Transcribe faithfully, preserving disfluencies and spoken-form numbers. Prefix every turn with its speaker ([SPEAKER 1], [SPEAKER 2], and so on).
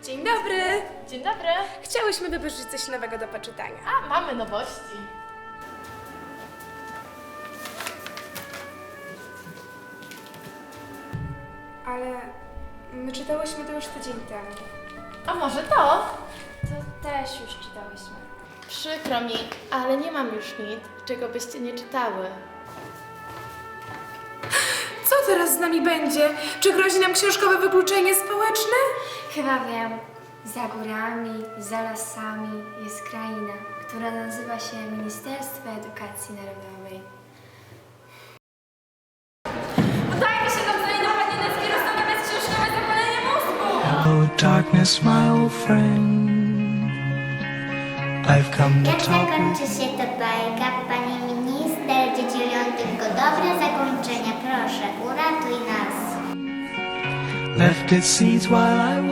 [SPEAKER 1] Dzień dobry!
[SPEAKER 2] Dzień dobry.
[SPEAKER 1] Chciałyśmy wypożyczyć coś nowego do poczytania.
[SPEAKER 2] A, mamy nowości.
[SPEAKER 1] Ale my czytałyśmy to już tydzień temu.
[SPEAKER 2] A może to?
[SPEAKER 3] To też już czytałyśmy.
[SPEAKER 2] Przykro mi, ale nie mam już nic, czego byście nie czytały.
[SPEAKER 1] Co teraz z nami będzie? Czy grozi nam książkowe wykluczenie społeczne?
[SPEAKER 3] Chyba wiem. Za górami, za lasami jest kraina, która nazywa się Ministerstwo Edukacji Narodowej.
[SPEAKER 4] Udajmy się do znajdowania Nienackiej rozstawiać książkowe zapalenie mózgu!
[SPEAKER 5] Hello, darkness, my old friend. I've come to
[SPEAKER 6] Jak
[SPEAKER 5] talk
[SPEAKER 6] zakończy
[SPEAKER 5] with
[SPEAKER 6] się ta bajka, pani minister, dzieci lubią tylko dobre zakończenia. Proszę, uratuj nas.
[SPEAKER 5] left its seeds while I